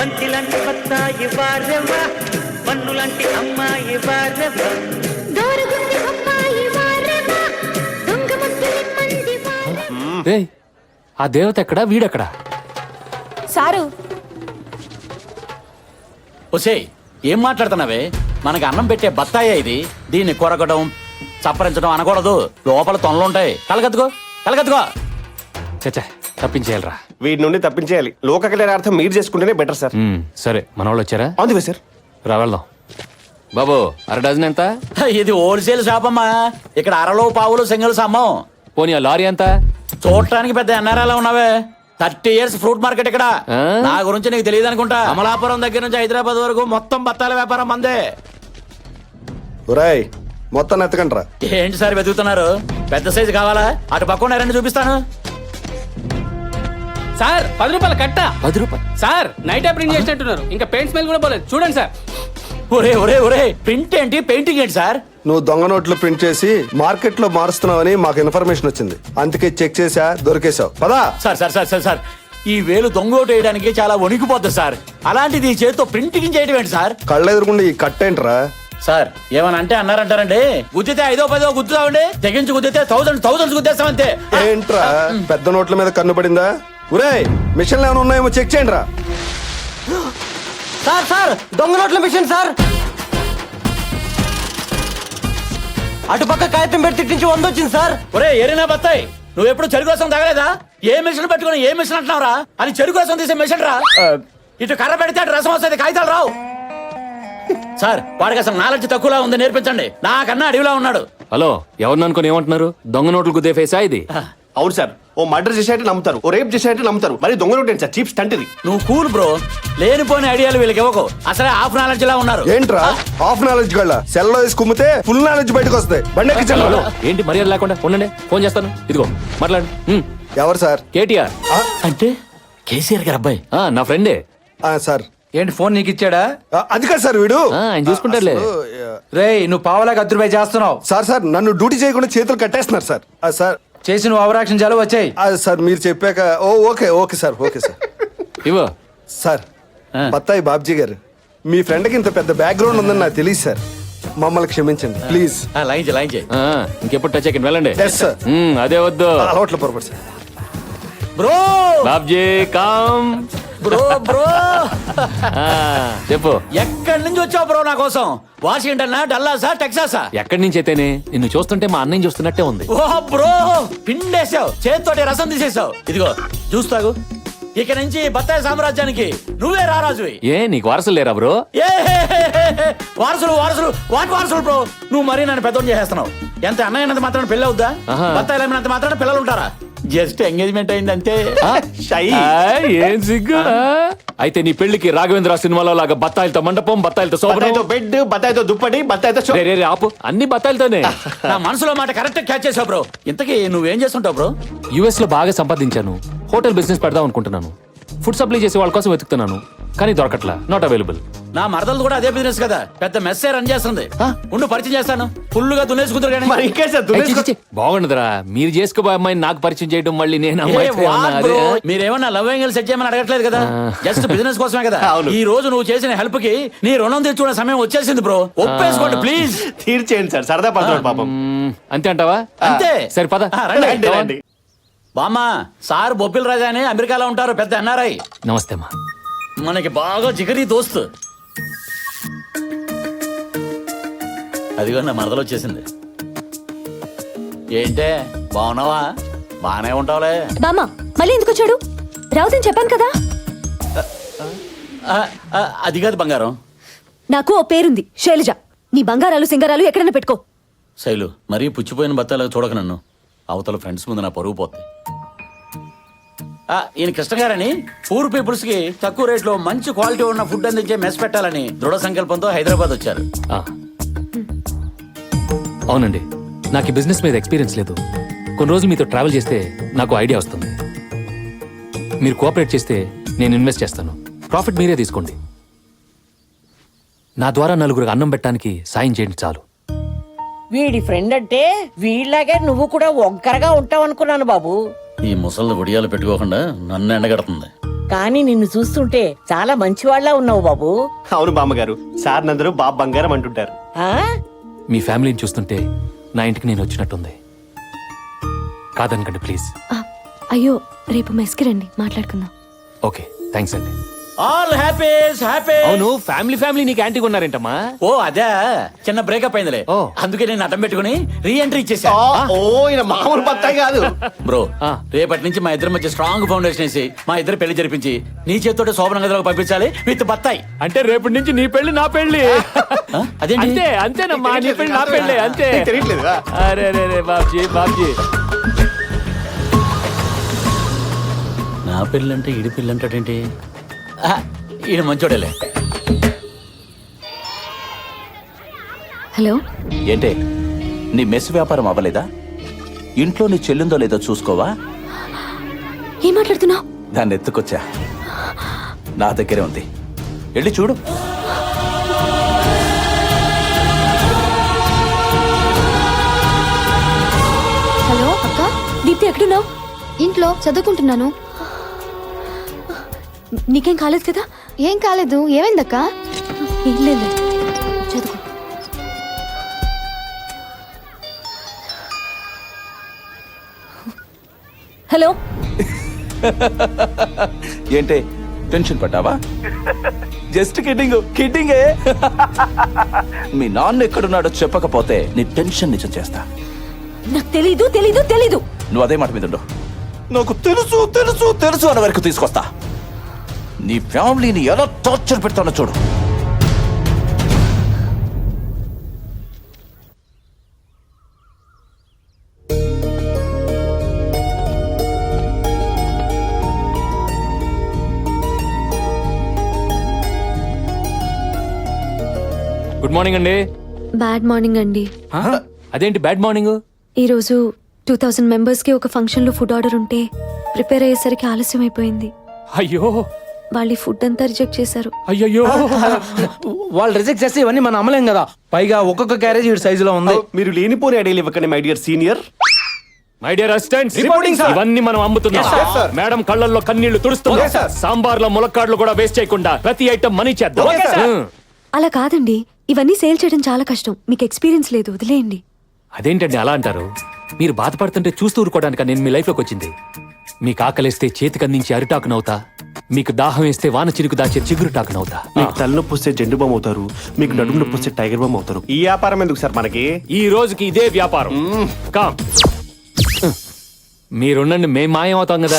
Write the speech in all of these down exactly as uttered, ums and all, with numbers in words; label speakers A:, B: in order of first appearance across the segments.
A: బంతిలాంటి బత్తాయి వారవా, పన్నులాంటి అమ్మాయి వారవా, దోరగుంది అమ్మాయి వారవా, దొంగ ముద్దులి మంది వారవా.
B: రేయ్, ఆ దేవత ఎక్కడా వీడెక్కడా?
C: సారు
D: ఒసేయ్, ఏం మాట్లాడుతున్నావే? మనకి అన్నం పెట్టే బత్తాయే ఇది. దీన్ని కొరకడం చప్పరించడం అనకూడదు. లోపల తొనలుంటాయి. కలగత్తుకో కలగత్తుకో.
B: చచ్చా, తప్పించేయాలరా.
E: వీటి నుండి తప్పించేయాలి. లోక కళ్యాణార్థం మీరు చేసుకుంటేనే బెటర్ సార్.
B: ఉమ్, సరే, మన వాళ్ళు వచ్చారా?
E: అవును సార్.
B: రా వెళ్దాం. బాబు, అర డజన్ ఎంత?
D: ఇది హోల్సేల్ షాప్ అమ్మా. ఇక్కడ అరలో పావులు సింగిల్స్ అమ్మం.
B: పోనీ ఆ లారీ ఎంత?
D: చూడటానికి పెద్ద ఎన్ఆర్ఐలో ఉన్నావే. థర్టీ ఇయర్స్ ఫ్రూట్ మార్కెట్ ఇక్కడ.
B: ఆ?
D: నా గురించి నీకు తెలియదు అనుకుంటా. అమలాపురం దగ్గర నుంచి హైదరాబాద్ వరకు మొత్తం బత్తాల వ్యాపారం మందే.
F: ఒరేయ్, మొత్తం ఎత్తకండ్రా.
D: ఏంటి సార్ వెతుకుతున్నారు? పెద్ద సైజు కావాలా? అటు పక్కన రెండు చూపిస్తాను.
G: సార్ పది రూపాయల కట్ట.
B: పది రూపాయలు
G: సార్ నైట్ ప్రింట్ చేసినట్టున్నారు. ఇంకా పెయింట్ స్మెల్ కూడా పోలేదు. చూడండి సార్.
D: ఒరే ఒరే ఒరే, ప్రింట్ ఏంటి పెయింటింగ్ ఏంటి సార్?
F: నువ్వు దొంగ నోట్లు ప్రింట్ చేసి మార్కెట్ లో మారుస్తున్నావని మాకు ఇన్ఫర్మేషన్ వచ్చింది. అందుకే చెక్ చేసా, దొరికేశావు. పదా.
D: Sir sir sir sir sir ఈ వేలు దొంగోటు వేయడానికి చాలా వణికిపోతుంది సార్. అలాంటిది ఈ చేతితో ప్రింటింగ్ చేయడం ఏంటి సార్?
F: కళ్ళెదురుకుండా ఈ కట్టేంట్రా?
D: సార్ ఏమని అంటే అన్నారంటారండి. గుద్దితే ఐదో పదో గుద్దుతామండి, తెగించి గుద్దితే థౌసండ్ థౌసండ్స్ గుద్దేస్తామంతే.
F: ఏంట్రా, పెద్ద నోట్ల మీద కన్ను పడిందా? ఒరేయ్, మిషన్లు ఏమైనా ఉన్నాయేమో చెక్ చేయండి రా.
H: సార్ సార్ దొంగ నోట్ల మిషన్ సార్. అటుపక్క కాగితం పెట్టి తిట్టించి వంద వచ్చింది సార్.
D: ఒరే ఎరినా బత్తాయి, నువ్వు ఎప్పుడు చెరుకు రసం తగలేదా? ఏ మిషన్ పెట్టుకుని ఏ మిషన్ అంటున్నావురా? అని చెరుకు రసం తీసే మిషన్ రా. ఇటు కర్ర పెడితే అటు రసం వస్తుంది, కాగితాలు రావు. సార్ వాడికి అసలు నాలెడ్జ్ తక్కువలా ఉంది, నేర్పించండి. నాకన్నా అడవిలా ఉన్నాడు.
B: హలో, ఎవరిని అనుకుని ఏమంటున్నారు? దొంగ నోట్లు గుద్దే ఫేసా ఇది?
E: అవును సార్. ఓ మర్డర్ చేసేట్టు నమ్ముతారు, ఓ రేప్ చేసేట్టు నమ్ముతారు. మరి దొంగ నోట్ ఏంటి సార్? చీప్ స్టంట్ ఇది.
D: నువ్వు కూల్ బ్రో. లేనిపోని ఐడియాలు వీళ్ళకి ఇవ్వకు. అసలే హాఫ్ నాలెడ్జ్ లా ఉన్నారు.
F: ఏంట్రా హాఫ్ నాలెడ్జ్ గళ్ళ? సెల్ లో వేసి కుమ్మితే ఫుల్ నాలెడ్జ్ బయటకు వస్తాయి. బండి
B: హలో,
F: ఎక్కించండి.
B: ఏంటి మర్యాద లేకుండా? ఉండండి, ఫోన్ చేస్తాను. ఇదిగో మాట్లాడు. ఉమ్,
F: ఎవరు సార్?
B: కేటీఆర్.
D: అంటే కేసీఆర్ గారు అబ్బాయి.
B: ఆ, నా ఫ్రెండే.
F: ఆ, సార్.
H: ఏంటి ఫోన్ నీకు ఇచ్చాడా?
F: ఆ, అది కాదు సార్, వీడు
B: ఆ, ఆయన చూసుకుంటారులే.
F: అసలు,
H: రేయ్ నువ్వు పావలాగా అద్దరు రూపాయి చేస్తున్నావు.
F: సార్ సార్ నన్ను డ్యూటీ చేయకుండా చేతులు కట్టేస్తున్నారు సార్. ఆ, సార్
H: చేసి నువ్వు అవరాక్షన్ చాలు వచ్చాయి.
F: ఆ, సార్ మీరు చెప్పాక oh okay okay sir okay sir.
B: ఇవ్వ.
F: సార్, బత్తాయి బాబ్జీ గారు, మీ ఫ్రెండ్కి ఇంత పెద్ద బ్యాక్గ్రౌండ్ ఉందని నాకు తెలియదు సార్. మమ్మల్ని క్షమించండి ప్లీజ్.
D: లైన్ చేయి, లైన్ చేయి.
B: ఆ, ఇంకెప్పుడు టచ్ అయ్యి వెళ్ళండి.
F: Yes sir.
B: ఉమ్, అదే వద్దు.
F: అలవాట్ల పొరపాటు sir.
D: Bro
B: Babji calm.
D: Bro bro
B: ఆ, చెప్పు.
D: ఎక్కడి నుంచి వచ్చావు బ్రో నా కోసం? వాషింగ్టన్, డల్లాసా, టెక్సాసా?
B: ఎక్కడి నుంచి అయితేనే నిన్ను చూస్తుంటే మా అన్నయ్య చూస్తున్నట్టే ఉంది.
D: ఓ బ్రో, పిండేసావు, చేతితోటి రసం తీసేసావు. ఇదిగో జ్యూస్ తాగు. ఇక నుంచి బత్తాయి సామ్రాజ్యానికి నువ్వే రారాజువి.
B: ఏ నీకు వారసులు లేరా బ్రో?
D: ఏ వారసులు వారసులు వాటి వారసులు బ్రో. నువ్వు మరీ నన్ను పెద్దోని చేసేస్తున్నావు. ఎంత అన్నయ్యనంత మాత్రం పెళ్ళి అవుద్దా?
B: ఆహా.
D: బత్తాయిలు అమ్మినంత మాత్రం పిల్లలు ఉంటారా? జస్ట్ ఎంగేజ్మెంట్ అయింది అంతే.
E: షై.
B: ఆయ్, ఏం సిగ్గు. ఆ? అయితే నీ పెళ్లికి రాఘవేంద్ర సినిమాలో లాగా బత్తాయిలతో మండపం, బత్తాయిలతో
E: బత్తాయితో
B: శోభనం.
E: బెడ్, బత్తాయితో దుప్పటి, బత్తాయితో షో-
B: రే, రే, రే, ఆపు. అన్ని బత్తాయిలతోనే.
D: నా మనసులో మాట కరెక్ట్ క్యాచ్ చేసావు బ్రో. ఇంతకీ నువ్వేం చేస్తుంటావు బ్రో?
B: యుఎస్ లో బాగా సంపాదించాను. హోటల్ బిజినెస్ పెడదాం అనుకుంటున్నాను. ఫుడ్ సప్లై చేసే వాళ్ళ కోసం వెతుకుతున్నాను, కానీ దొరకట్లా. Not available.
D: నా మరదలు కూడా అదే బిజినెస్ కదా, పెద్ద మెస్సే రన్ చేస్తుంది. ఉండు పరిచయం చేస్తాను. ఫుల్ గా దున్నేసుకుంటారు కానీ.
E: మరి ఇంకే సార్ దున్నేసుకో-
B: బాగుండదురా, మీరు చేసుకోబోయే అమ్మాయిని నాకు పరిచయం చేయడం, మళ్ళీ నేను
D: ఏ,
B: అమ్మాయితో
D: వాట్
B: ఏమన్నా
D: బ్రో?
B: అదే?
D: మీరేమన్నా లవ్ యాంగిల్ సెట్ చేయమని అడగట్లేదు కదా, జస్ట్ బిజినెస్ కోసమే కదా.
E: అవును.
D: ఈ రోజు నువ్వు చేసిన హెల్ప్ కి నీ రుణం తెచ్చుకునే సమయం వచ్చేసింది బ్రో. ఒప్పేసుకోండి ప్లీజ్.
E: తీర్చేయండి సార్, సరదా పడుతున్నాడు పాపం.
B: మ్మ్, అంతే అంటావా?
D: అంతే.
B: సరే పద.
D: ఆ, రండి.
E: రండి, రండి.
D: బామ్మ, సార్ బొబ్బిల్ రాజా అని అమెరికాలో ఉంటారు, పెద్ద ఎన్ఆర్ఐ.
B: నమస్తే అమ్మా.
D: మనకి బాగా జిగరి దోస్తు. అదిగో నా మరదలు వచ్చేసింది. ఏంటే బాగున్నావా? బానే ఉంటావులే.
C: బామ్మ మళ్ళీ ఎందుకు వచ్చాడు? రావుతని చెప్పాను కదా.
D: ఆ, ఆ, అది కాదు బంగారం.
C: నాకు ఓ పేరుంది, శైలజ. నీ బంగారాలు సింగారాలు ఎక్కడైనా పెట్టుకో.
D: శైలు, మరీ పుచ్చిపోయిన బత్తాలకు చూడక నన్ను. అవతల ఫ్రెండ్స్ ముందు నా పరుగు పోతుంది. ఆ, ఈయన కృష్ణ గారని పూర్ పీపుల్స్ కి తక్కువ రేట్లో మంచి క్వాలిటీ ఉన్న ఫుడ్ అందించే మెస్ పెట్టాలని దృఢ సంకల్పంతో హైదరాబాద్ వచ్చారు.
B: ఆ. అవునండి, నాకు ఈ బిజినెస్ మీద ఎక్స్పీరియన్స్ లేదు. కొన్ని రోజులు మీతో ట్రావెల్ చేస్తే నాకు ఐడియా వస్తుంది. మీరు కోఆపరేట్ చేస్తే నేను ఇన్వెస్ట్ చేస్తాను. ప్రాఫిట్ మీరే తీసుకోండి. నా ద్వారా నలుగురికి అన్నం పెట్టడానికి సాయం చేయండి చాలు.
I: వీడి ఫ్రెండ్ అంటే వీళ్ళలాగే నువ్వు కూడా ఒంకరగా ఉంటావు అనుకున్నాను బాబు.
D: ఈ ముసళ్ళు ఒడియాలు పెట్టుకోకుండా నన్ను ఎండగడుతుంది.
I: కానీ నిన్ను చూస్తుంటే చాలా మంచివాళ్లా ఉన్నావు బాబు.
E: అవును బామ్మగారు, సార్ నందరూ బాబు బంగారం అంటుంటారు.
I: ఆ
B: మీ ఫ్యామిలీని చూస్తుంటే నా ఇంటికి నేను వచ్చినట్టుంది. కాదనకండి ప్లీజ్.
C: ఆ, అయ్యో రేపు మెస్కి రండి మాట్లాడుకుందాం.
B: ఓకే థ్యాంక్స్ అండి.
D: All happies happy.
B: అవును ఫ్యామిలీ ఫ్యామిలీ నీకు యాంటీగా ఉన్నారేంటమ్మా?
D: ఓ అదే, చిన్న బ్రేకప్ అయిందిలే.
B: ఓ.
D: అందుకే నేను అడ్డం పెట్టుకుని రీ ఎంట్రీ ఇచ్చేసా.
E: ఆ, ఓ ఈయన మామూలు బత్తాయి కాదు.
D: బ్రో
B: ఆ.
D: రేపటి నుంచి మా ఇద్దరి మధ్య స్ట్రాంగ్ ఫౌండేషన్ వేసి మా ఇద్దరు పెళ్లి జరిపించి నీ చేతితో శోభన గదిలోకి పంపించాలి విత్ బత్తాయి.
B: అంటే రేపటి నుంచి నీ పెళ్లి నా పెళ్లి.
D: ఆ? అదేంటి?
B: అంతే అంతేనమ్మా, నీ పెళ్లి నా పెళ్లి అంతే.
E: నీకు తెలియట్లేదా?
B: అరే రే రే బాబ్జీ బాబ్జీ.
D: నా పెళ్ళి అంటే ఈడి పెళ్ళి అంటాడేంటి? ఆ, ఈయన మంచోడేలే.
C: హలో
J: ఏంటే నీ మెస్ వ్యాపారం అవ్వలేదా? ఇంట్లో నీ చెల్లిందో లేదో చూసుకోవా?
C: ఏం మాట్లాడుతున్నావు?
J: దాన్ని ఎత్తుకొచ్చా, నా దగ్గరే ఉంది, వెళ్ళి చూడు.
C: హలో అక్క, దీప్తి ఎక్కడున్నావు?
K: ఇంట్లో చదువుకుంటున్నాను.
C: నీకేం కాలేదు కదా?
K: ఏం కాలేదు. ఏమైందక్క?
C: ఏం లేదు, చదువుకో. హలో
J: ఏంటే టెన్షన్ పడ్డావా? Just kidding కిడ్డింగే. మీ నాన్న ఎక్కడున్నాడో చెప్పకపోతే నీ టెన్షన్ నిజం చేస్తా.
C: నాకు తెలీదు తెలీదు తెలీదు.
J: నువ్వు అదే మాట మీద ఉండు. నాకు తెలుసు తెలుసు తెలుసు అన్న వరకు తీసుకొస్తా. నీ ఫ్యామిలీని ఎలా టార్చర్ పెడతానో చూడు.
B: గుడ్ మార్నింగ్ అండి.
C: బ్యాడ్ మార్నింగ్ అండి.
B: అదేంటి బ్యాడ్ మార్నింగ్?
C: ఈరోజు టూ థౌజండ్ మెంబర్స్కి ఒక ఫంక్షన్లో ఫుడ్ ఆర్డర్ ఉంటే ప్రిపేర్ అయ్యేసరికి ఆలస్యం అయిపోయింది.
B: అయ్యో
C: వాళ్ళు ఈ ఫుడ్ అంతా రిజెక్ట్ చేశారు.
B: అయ్యయ్యో.
H: వాళ్ళు రిజెక్ట్ చేస్తే ఇవన్నీ మనం అమ్మలేం కదా. పైగా ఒక్కొక్క క్యారేజ్ ఈ సైజులో ఉంది.
E: మీరు లేనిపోని ఐడియాలు ఇవ్వకండి my dear senior.
B: My dear assistants,
F: Reporting, sir.
B: ఇవన్నీ మనం అమ్ముతున్నాం.
F: Yes, sir.
B: మేడం కళ్ళల్లో కన్నీళ్లు తుడుస్తున్నాం.
F: Okay, sir.
B: సాంబార్లో ములక్కాడ్లు కూడా వేస్ట్ చేయకుండా ప్రతి ఐటమ్ మనీ చేద్దాం.
F: Okay, sir.
B: Hmm.
C: అలా కాదండి, ఇవన్నీ సేల్ చేయడం చాలా కష్టం. మీకు ఎక్స్పీరియన్స్ లేదు, వదిలేయండి.
B: అదేంటండి అలా అంటారు? మీరు బాధపడుతుంటే చూస్తూ ఊరుకోవడానికి నేను మీ లైఫ్ లోకి వచ్చింది. మీకు ఆకలిస్తే చేతికి అందించి అరిటాకునవుతా, మీకు దాహం వేస్తే వాన చిరుకు దాచే చిగురు టాకునవుతా.
E: మీకు తలనొప్పి వస్తే జెండు బామ్ అవుతారు, మీకు నడుము నొప్పి వస్తే టైగర్ బామ్ అవుతారు. ఈ వ్యాపారం ఎందుకు సార్ మనకి?
B: ఈ రోజుకి ఇదే వ్యాపారం. కామ్ మీరుండండి, మేం మాయం అవుతాం కదా.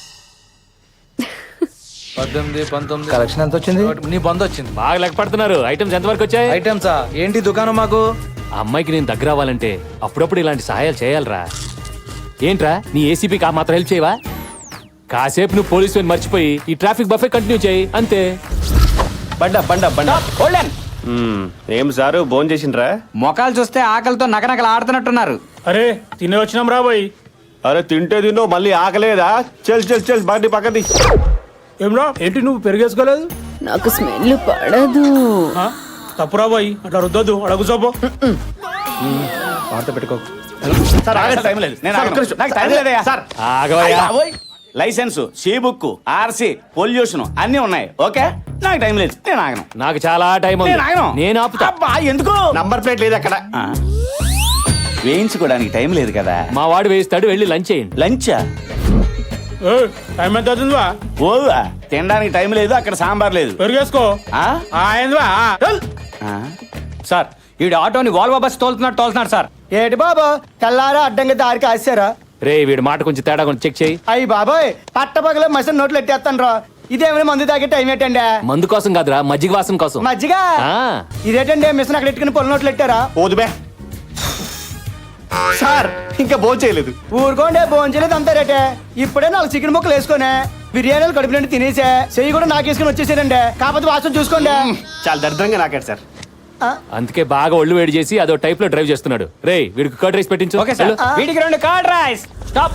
H: పద్దెనిమిది పంతొమ్మిది కలెక్షన్ ఎంత వచ్చింది? నీ బంద్ వచ్చింది.
B: బాగా లెక్క పడుతున్నారు. ఐటమ్స్ ఎంతవరకు వచ్చాయి?
H: ఐటమ్సా ఏంటి దుకాణం మాకు?
B: ఆ అమ్మాయికి నేను దగ్గర అవ్వాలంటే అప్పుడప్పుడు ఇలాంటి సహాయాలు చేయాలరా. ఏంట్రా నీ ఏసీపీకి ఆ మాత్రం హెల్ప్ చేయవా? కాసేపు నువ్వు పోలీసు మర్చిపోయి ఈ ట్రాఫిక్ బఫే కంటిన్యూ చేయి అంతే.
E: బండ బండ బండ. మ్మ్. ఏం సారు భోజనం చేసిండ్రా?
H: మొఖాలు చూస్తే ఆకలితో నకనకలు ఆడుతున్నట్టున్నారు.
G: అరే తినే వచ్చినాం రాబోయ్.
E: అరే తింటే తిన్నో మళ్ళీ ఆకలేదా? చల్ చల్ చల్ బండి పక్కది.
G: ఏమ్రా ఏంటి నువ్వు పెరిగేసుకోలేదు?
I: నాకు స్మెల్ పడదు.
G: తప్పురా బాయ్, అట్లా రుద్దొద్దు. అడుగు సోపు.
H: వార్త పెట్టుకో.
E: సార్ ఆగండి, టైం లేదు.
J: నేను ఆగను. నాకు టైం లేదయ్యా.
E: సార్
B: ఆగవయ్యా.
J: License, C book, RC, pollution అన్ని ఉన్నాయి. ఓకే, నాకు టైం లేదు, నేను ఆగను.
B: నాకు చాలా టైం ఉంది.
J: నేను ఆగను.
B: నేను ఆపుతా.
J: అబ్బా, ఎందుకు?
E: నంబర్ ప్లేట్ లేదు అక్కడ.
J: ఆ, వేయించుకోవడానికి టైం లేదు కదా.
B: మా వాడు వేస్తాడు, వెళ్ళి లంచ్ చేయండి.
J: లంచా?
G: టైం ఎంత అవుతుందివా?
J: ఓవా, తినడానికి టైం లేదు, అక్కడ సాంబార్ లేదు.
G: పెరిగేసుకో.
J: ఆ?
G: ఏందివా?
J: ఆ?
H: సార్ ఈడు ఆటోని వాల్వో బస్ తోలుతున్నాడు తోలుతున్నాడు సార్. ఏటి బాబా తెల్లారా అడ్డంగా దారికి ఆశారా?
B: రే వీడి మాట కొంచెం తేడా కొంచెం చెక్ చేయి.
H: అయ్యి బాబాయ్ పట్టపగల మసిన నోట్లు ఎట్టేస్తాను రా. ఇదేమైనా మందు తాగే టైం ఏంటండి?
B: మందు కోసం కాదురా, మజ్జిగ వాసన కోసం.
H: మజ్జిగ?
B: ఆ.
H: ఇదేంటండి మిషన్ అక్కడ ఎట్టుకుని పొల నోట్లు ఎట్టారా?
E: ఓదుబే సార్, ఇంకా భోజనం చేయలేదు.
H: ఊరుకోండి, భోంచలేదు అంతా రేటే. ఇప్పుడే నాలుగు చికెన్ ముక్కలు వేసుకునే బిర్యానీలు కడుపు నుండి తినేసే చెయ్యి కూడా నాకేసుకుని వచ్చేసారండి. కాకపోతే వాసన చూసుకోండి.
E: చాలా దరిద్రంగా నాకాడు సార్.
B: అందుకే బాగా ఒళ్ళు వేడి చేసి అదో టైప్ లో డ్రైవ్ చేస్తున్నాడు. రే వీడికి కర్డ్ రైస్ పెట్టించు.
H: Okay sir. వీడికి రెండు కర్డ్ రైస్. స్టాప్.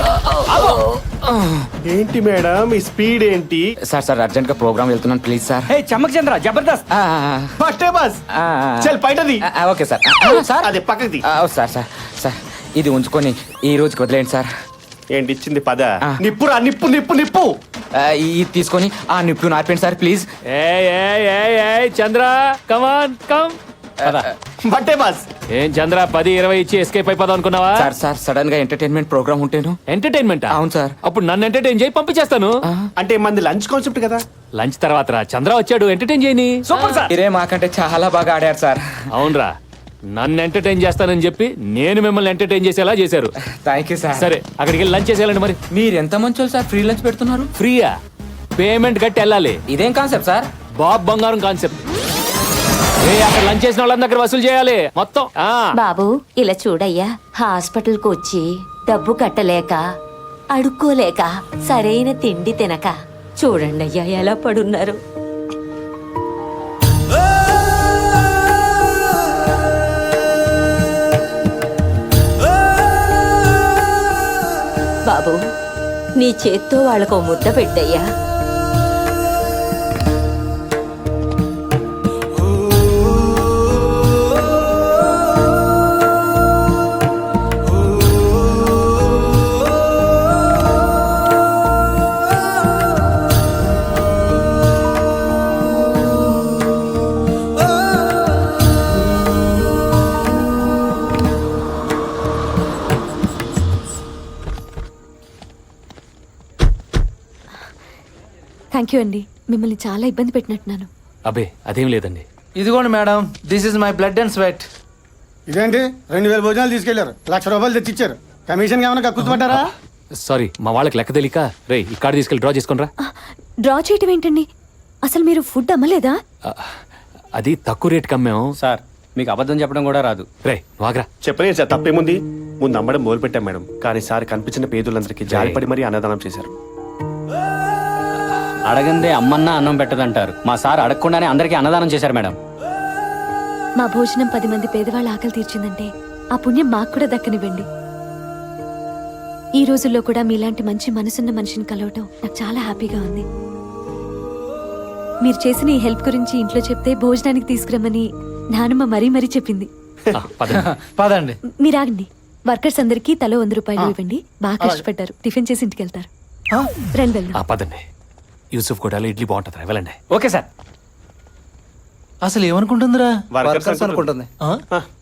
E: ఏంటి మేడం ఈ స్పీడ్ ఏంటి?
H: సార్ సార్ అర్జెంట్ గా ప్రోగ్రామ్ వెళ్తున్నాను ప్లీజ్ సార్. హే చమ్మక్ చంద్ర జబర్దస్త్.
E: ఫస్ట్ బస్ చల్ బయటది.
H: Okay sir. సార్
E: అదే పక్కది.
H: సార్ సార్ సార్ ఇది ఉంచుకొని ఈ రోజుకి వదిలేండి సార్.
E: ఏంటి ఇచ్చింది పద? నిప్పురా నిప్పు నిప్పు నిప్పు.
G: ఇది తీసుకొని ఆ నిప్పు నార్పండి సార్ ప్లీజ్.
B: ఏయ్ ఏయ్ ఏయ్ ఏయ్ చంద్ర కమాన్ కమ్.
E: బట్టే బాస్.
B: ఏం చంద్ర పది ఇరవై ఇచ్చి ఎస్కేప్ అయిపోదాం అనుకున్నావా?
G: సార్ సార్ సడన్ గా ఎంటర్టైన్మెంట్ ప్రోగ్రామ్ ఉంటేను.
B: ఎంటర్టైన్మెంట్
G: అవును సార్.
B: అప్పుడు నన్ను ఎంటర్టైన్ చేయి పంపించేస్తాను.
E: అంటే మంది లంచ్ కాన్సెప్ట్ కదా.
B: లంచ్ తర్వాత రా చంద్ర వచ్చాడు ఎంటర్టైన్ చేయని.
G: Super sir. మీరే మాకంటే చాలా బాగా ఆడారు సార్.
B: అవునరా నన్ను ఎంటర్టైన్ చేస్తానని చెప్పి నేను మిమ్మల్ని ఎంటర్టైన్ చేసేలా చేశారు.
G: Thank you sir.
B: సరే అక్కడికి వెళ్ళి లంచ్ చేసేయాలండి. మరి
G: మీరు ఎంత మంచోళ్ళు సార్, ఫ్రీ లంచ్ పెడుతున్నారు.
B: ఫ్రీయా? పేమెంట్ కట్టి వెళ్ళాలి.
G: ఇదేం కాన్సెప్ట్ సార్?
B: బాబ్ బంగారం కాన్సెప్ట్. ఏ అక్కడ లంచ్ చేసిన వాళ్ళ దగ్గర వసూలు చేయాలి మొత్తం. ఆ
I: బాబు ఇలా చూడయ్యా, హాస్పిటల్ కు వచ్చి డబ్బు కట్టలేక అడుక్కోలేక సరైన తిండి తినక చూడండి అయ్యా ఎలా పడున్నారు. బాబు నీ చేత్తో వాళ్ళకు ముద్ద పెట్టయ్యా.
C: థ్యాంక్ యూ అండి, మిమ్మల్ని చాలా ఇబ్బంది పెట్టినట్టున్నాను.
B: అబే అదేం లేదండి.
H: ఇదిగోండి madam, this is my blood and sweat. ఇదేంటి రెండు వేల భోజనాలు తీసుకెళ్లారు, లక్ష రూపాయలు తెచ్చిచ్చారు. కమిషన్ ఏమైనా కక్కుతుపడ్డారా?
B: సారీ మా వాళ్ళకి లెక్క తెలియక. రే ఈ కార్డు తీసుకెళ్ళి డ్రా చేసుకుని రా.
C: డ్రా చేయటం ఏంటండి? అసలు మీరు ఫుడ్ అమ్మలేదా?
B: అది తక్కువ రేట్ కమ్మాం
G: సార్ మీకు అబద్ధం చెప్పడం కూడా రాదు.
B: రే వాగ్రా.
E: చెప్పలేదు సార్, తప్పేముంది. ముందు అమ్మడం మొదలు పెట్టాం మేడం, కానీ సార్ కనిపించిన పేదలందరికీ జాలిపడి మరీ అన్నదానం చేశారు.
G: అడగందే అమ్మన్నా అన్నం పెట్టదంటారు. మా సార్ అడగకుండానే అందరికీ అన్నదానం చేశారు మేడం.
C: మా భోజనం పది మంది పేదవాళ్ళ ఆకలి తీర్చిందంటే ఆ పుణ్యం మాకు కూడా దక్కనివ్వండి. ఈ రోజుల్లో కూడా మీలాంటి మంచి మనసున్న మనిషిని కలవటం నాకు చాలా హ్యాపీగా ఉంది. మీరు చేసిన ఈ హెల్ప్ గురించి ఇంట్లో చెప్తే భోజనానికి తీసుకురమ్మని నానమ్మ మరీ మరీ చెప్పింది.
H: పదండి.
C: మీరు ఆగండి. వర్కర్స్ అందరికీ తలో వంద రూపాయలు ఇవ్వండి. బాగా కష్టపడ్డారు, టిఫిన్ చేసి ఇంటికి వెళ్తారు. రండి వెళ్దాం.
B: ఆ, పదండి. యూసుఫ్ కూడా ఇడ్లీ బాగుంటుంది, వెళ్ళండి.
G: Okay sir.
H: అసలు ఏమనుకుంటుందిరా?
E: వర్కర్స్ అనుకుంటుంది.